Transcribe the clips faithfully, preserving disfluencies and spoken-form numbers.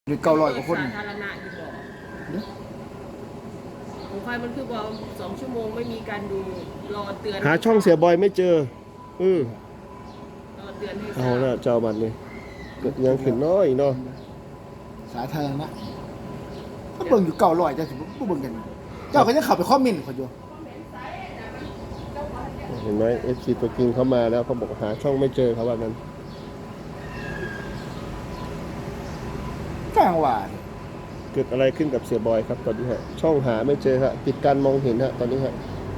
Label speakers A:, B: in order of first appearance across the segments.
A: หรือเก้าร้อยกว่าคน
B: สาธารณะอยู่บ่ของใครมันคือบอกสองชั่วโมงไม่มีการดูรอเตือน
C: หาช่องเสียบอยไม่เจอเออ
B: รอเตือนให้ท
C: เอา
B: รา
C: ละ
B: บ
C: เจ้าบัตรนี่ยังขึ้นน้อยเนาะ
A: สาธารณะถ้าเบิ่งอยู่เก้าร้อยจะสิบ่เบิ่งกันเจ้าก็ยังเข้าไปคอมเมนต์เขาอยู่
C: เห็นไหมเอฟซีตัวจริงเขามาแล้วเขาบอกหาช่องไม่เจอเขาว่านั้น
A: กลางว่า
C: เกิดอะไรขึ้นกับเสียบอยครับตอนนี้ฮะช่องหาไม่เจอฮะปิดการมองเห็นฮะตอนนี้ฮะ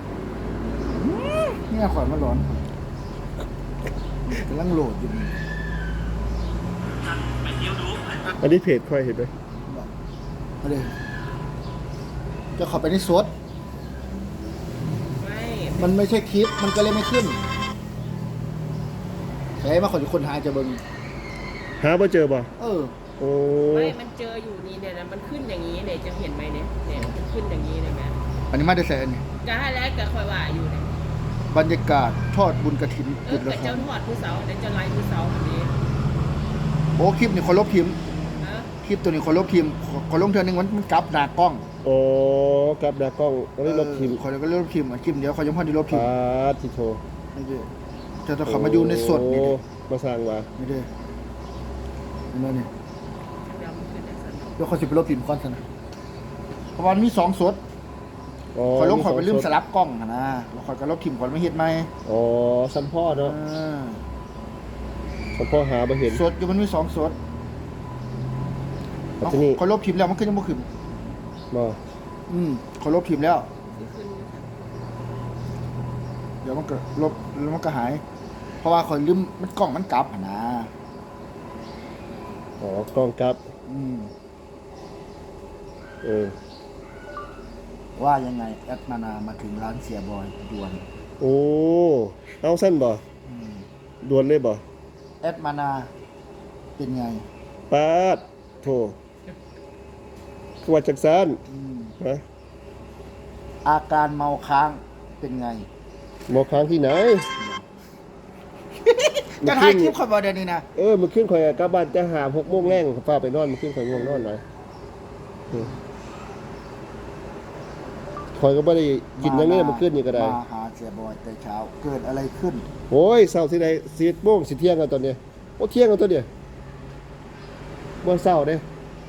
A: เนี่ยข่อยมาร้อนกำลังโหลดอยู่นี่
C: อันนี้เพจค่อยเห็นไหม
A: เอาเลยจะเข้าไปในสด
B: ไม่
A: มันไม่ใช่คลิปมันก็เลยไม่ขึ้นใช่มาขอทุกคนหาจะเบิ่ง
C: หาไม่เจอป่ะ
A: เออ
C: โอ้
B: ไม่มันเจออยู่นี่เนี่ยนะมันขึ้นอย่างนี้เนี่ยจะเห็นไหมเนี่ยเนี่ยมันขึ้นอย่างนี้เลยไหม
A: อันนี้มาได้แสนนี่
B: จะให้แล้วแต่คอยว่าอยู่เนี่ย
A: บรรยากาศทอดบุญกฐิน
B: เอ
A: จุ
B: อ
A: ด
B: เกิ
A: ละ
B: ด
A: คร
B: เจ้าทอดผู้เสาเดี๋ยวจะไล่ผู้เสาแบบนี้
A: โอ้คลิปนี่คนลบพิมพ์
B: นะ
A: คลิปตัวนี้คนลบพิมพ์คนลงเทือนึงมันมันกลับหน้ากล้อง
C: โอ้กับดากล้องตอนนี้ลบทีม
A: คนก็ลบพิมพ์อ่ะคลิปเดียวเขายังพอได้ลบพิม
C: ปา
A: พ์
C: ทิโท
A: นี่เด้อจะต้องเขามาอยู่ในสดนี่เด้อ
C: มาสร้างว่า
A: นี่เด้อนี่มานี่
B: เดี๋ยวมันขึ้นในสนาม
A: เดี๋ยวเขาสิไปลบพิมพ์ก่อนซะนะเพราะว่ามันมีสองสด
C: อ๋อ
A: คอยลงคอยไปลืม
C: ส
A: สลับกล้องอะนะแล้วคอยก็ลบพิมพ์ก่อนไม่เฮ็ดไหม
C: อ๋อสัมพ่อเนาะ
A: อ่า
C: สัมพ่อหาไม่เห็น
A: สดอยู่มันมีสองสด
C: แต่ที่นี่
A: คอยลบพิมพ์แล้วมันก็ยังบ่ขึ้น
C: มา
A: อืมคอยลบพิมพ์แล้ว
B: ที่ขึ้น
A: เดี๋ยวมันก็ลบแล้วมันก็หาย เพราะว่าคอยลืมมันกล้องมันกลับอะนะ
C: อ๋อกล้องกลับ
A: อืม
C: เออ
A: ว่ายังไงแอดมานามาถึงร้านเสียบอยด่วน
C: โอ้เอาสั้นบ่
A: อืม
C: ด่วนเลยบ่
A: แอดมานาเป็นไง
C: ปาดโถขวัดจักสาน
A: อืม
C: ฮะ
A: อาการเมาค้างเป็นไง
C: หมอค้างที่ไหน
A: จะถ่ายคลิปคอยบอเดยวนี้นะ
C: เออมันขึ้นข่อยกลับบ้านจะหาหกโมงแรงฟ้าไปนอนมันขึ้นข่อยง่วงนอนหน่อยอืมข่อยก็ไม่ได้กินอย่างนี้มันขึ้นนี่ก็ได้
A: มาหาเสียบอยแต่เช้าเกิดอะไรขึ้น
C: โอ้ยเศร้าที่ใดสิบโมงสิเที่ยงกันตอนเนี้ยโอ้เที่ยงกันตัวเนี้ยบ่เศร้าเด้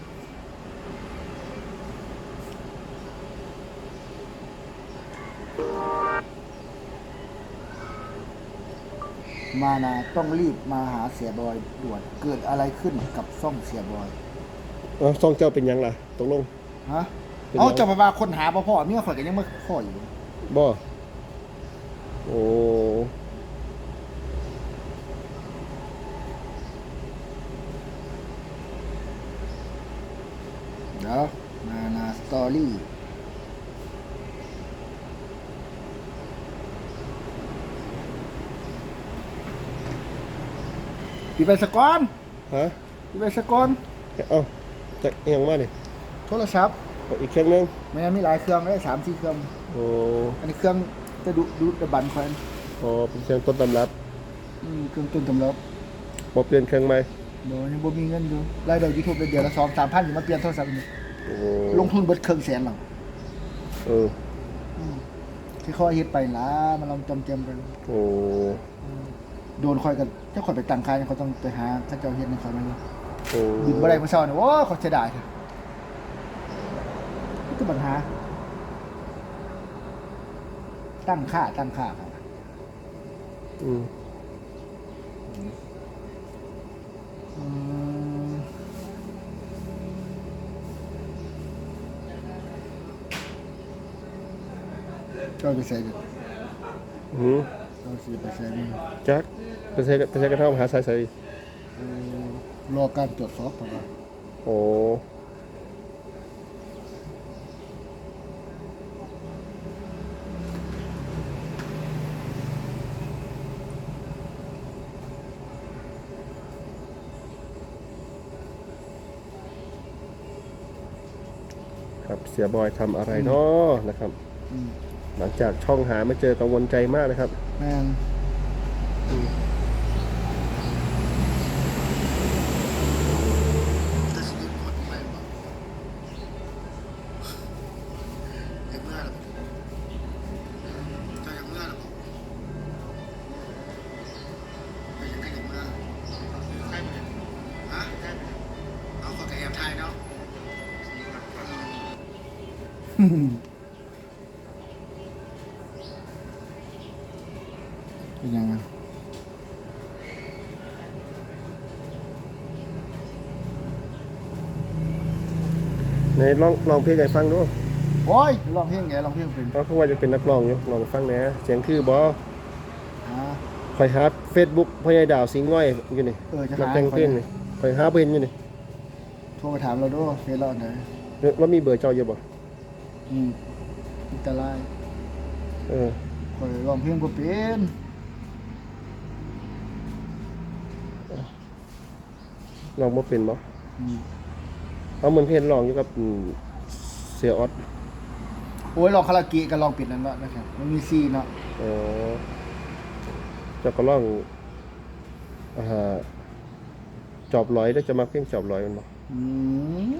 A: มานาต้องรีบมาหาเสียบอยด่วนเกิดอะไรขึ้นกับซ่องเสียบอย
C: เอาซองเจ้าเป็นหยังล่ะตกลง
A: ฮะ
C: เป็นไง
A: เอาจะมาว่าคนหาบ่พ่อเมียข่อยก็ยังไม่พ่ออยู่
C: บ่โอ้
A: เดี๋ยวมานาสตอรี่ปีไปสกอน
C: ฮะ
A: ปีไปสกอน
C: เอาจะเอียงมาดิ
A: โทรศัพท์
C: เอาอีกเครื่องหนึง
A: แม่มีหลายเครื่องได้สามสี่เครื่อง
C: โอ้
A: อันนี้เครื่องจะดูดูดบันคอย
C: โอ้เป็นเครื่องต้นตำรับ
A: อืมเครื่องต้นตำรับ
C: บ่เปลี่ยนเครื่องใหม่
A: เดี๋ยวยังบ่มีเงินอยู่รายได้ยูทูบเดือนละสองสามพันอยู่มาเปลี่ยนโทรศัพท์นี่
C: โอ้
A: ลงทุนเบิดเครื่องแสนหรอก
C: เออ
A: ที่เขาเฮ็ดไปล่ะมันลองจำเจมกัน
C: โอ้
A: โดนคอยกันเจ้าคอยไปตั้งค่ายเขาต้องไปหาเขาเจ้าเฮ็ดในเขามัน
C: โอ้
A: บินบ่ได้เมื่อเช้านี่โอ้เขาเสียดายเถอะนี่คือปัญหา ตั้งค่าตั้งค่าครับ
C: อืม
A: อืมเจ้าไปใส่กัน
C: อืม
A: เจ้าสิไปใส่มัน
C: จักไปใช้ไปใช้กระเท่อมหาสายใส่
A: เอ่อรอการตรวจสอบก่อนว่า
C: โอ้ครับเสียบอยทำอะไรเนาะนะครับ
A: อืม
C: หลังจากช่องหาไม่เจอกังวลใจมากนะครับ
A: แม่นเป็นยังไง
C: ในลองลองเพลงให้ฟังดู
A: โอ้ยร้องเพลงไงร้องเพลงเป็น
C: เพราะว่าจะเป็นนักร้องอยู่ลองฟังแหน่เสียงคือบ่
A: อ่า
C: ข่อยหา Facebook พ่อใหญ่ดาวสิงห์น้อยอยู่นี่
A: เออจะ
C: นัก
A: หา
C: แต่งเพลงนี่ข่อยหาบ่เห็นอยู่นี่
A: โทรไปถามเราด้วยเฟซเราอันไหน
C: แล้วมีเบอร์เจ้าอยู่บ่
A: อืมอิตาลี
C: เออ
A: คอยร้องเพลงบ่เป็น
C: ลองบ่เป็นบ่
A: อืม
C: เอาเหมือนเพลงร้องอยู่กับอืมเสียออด
A: โอ้ยร้องคาราโอเกะก็ร้องปิดนั่นเนาะนะครับมันมีซีเนาะ
C: เออเจ้าก็ร้องอ่าจอบร้อยได้จะมาเพลงจอบร้อยมันบ่
A: อืม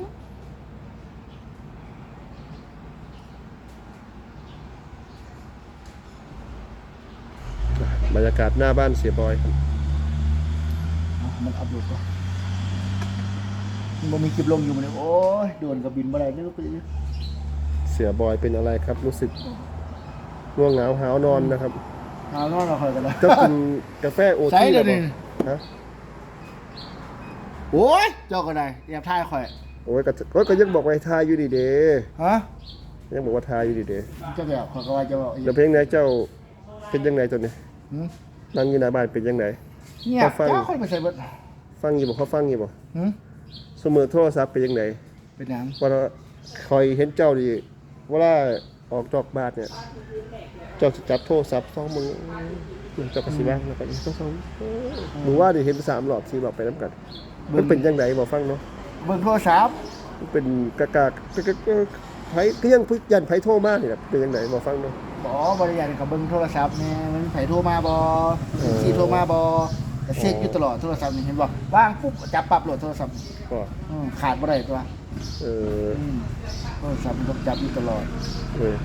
C: บรรยากาศหน้าบ้านเสียบอยครับ
A: อ่ะมันอัพโหลดป่ะมันบ่มีคลิปลงอยู่มันเลยโอ้ยโดนกับบินบ่ได้นี่ลูกไปเลย
C: เสียบอยเป็นอะไรครับ รู้สึกง่วงเหงาหาวนอนนะครับ
A: หานอนเราคอยกันแล้ว
C: เจ้ากินกาแฟโอ
A: ใส่
C: ที
A: เล
C: แล้
A: ยว นี่
C: ฮะ
A: โอ้ยเจ้าก็ได้แอบถ่ายข่อย
C: โอ้ยก็โอ้ยก็ยังบอกว่าทายอยู่ดีเด้
A: ฮะ
C: ยังบอกว่าทายอยู่ดีเด้
A: เจ้าแบบข่อยก็ว่าจะบอกอีก
C: แล้วเพลงไหนเจ้าเป็นยังไงตัวนี้
A: หืม
C: นั่งอยู่หน้าบ้านเป็นยังไง
A: เงียบ
C: เขาฟัง
A: เจ้าค่อยไปใส่เบิด
C: ฟังอยู่บ่เขาฟังอยู่บ่
A: หืม
C: เสมอโทรศัพท์เป็นยังไง
A: เป็นหยัง
C: ว่าคอยเห็นเจ้าดิเวลาออกจอกบ้านเนี่ย เจ้าจะจับโทรศัพท์สองมือเจ้าก็สิว่างแล้วก็อีกสองมือว่าดิเห็นสามหลอดสี่หลอดไปน้ำกันมันเป็นยังไงบ่ฟังเนาะ
A: เบิ่งโทรศัพท์
C: มันเป็นกากากกากาไผก็ยังพึกยันไผโทรมานี่แหละเป็นยังไงบ่ฟังเนาะ
A: บ่บริยารกับเบิ่งโทรศัพท์แน่มันไผโทรมาบ่
C: เออ
A: สิโทรมาบ่ก็เช็คอยู่ตลอดโทรศัพท์นี่เห็นบ่ว่างปุ๊บจับปั๊บโหลดโทรศัพท์
C: ก็
A: อืมขาดบ่ได้ตัว
C: เออ
A: อืมโทรศัพท์มันต้องจับอยู่ตลอด
C: เออ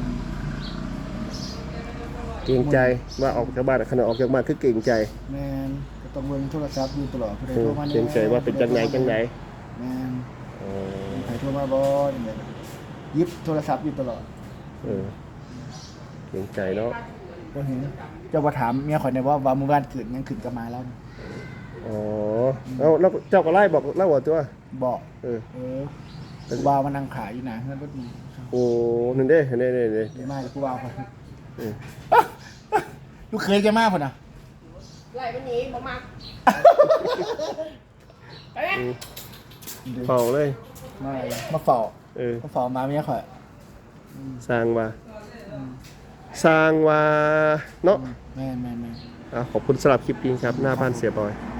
C: เกรงใจว่าออกจากบ้านขณะออกจากบ้านคือเกรงใจ
A: แม่นก็ต้องเบิ่งโทรศัพท์อยู่ตลอดผู้ใด
C: เอ
A: โท
C: อ
A: รมาแน่
C: เกรงใจว่าเป็นจังไหนจังไหน
A: แม่น
C: เออ
A: ไผโทรมาบ่นี่แหละหยิบโทรศัพท์อยู่ตลอด
C: เออเกรงใจเนาะ
A: บ่เห็นเจ้าบ่ถามเมียข่อยได้ว่าว่ามื้อวานเกิดหยังขึ้นกับมาแล้ว
C: อ๋อแล้วแล้วเจ้าก็ไล่บอกเล่าว่าตัว
A: บอก
C: เออ
A: เออกูบ่าวมานั่งขายอยู่หน้าเฮือนรถนี่
C: โอ้นั่นเด้เห็นเด้เด้เด้
A: ดีมากเลยกูบ่าวข่อย
C: เออ
A: ลูกเคยจะมาพุ่นน่ะ
B: ไหลวันนี้บ่มาไปไหม
C: อืมเฝ้าเลย
A: มามาเฝ้า
C: เออ
A: มาเฝ้ามาเมียข่อย
C: สร้างว่าสร้างว่าเนาะ
A: แม่นแม่นแม่น
C: อ่ะขอบคุณสำหรับคลิปนี้ครับ หน้าบ้านเสียบอย
A: ค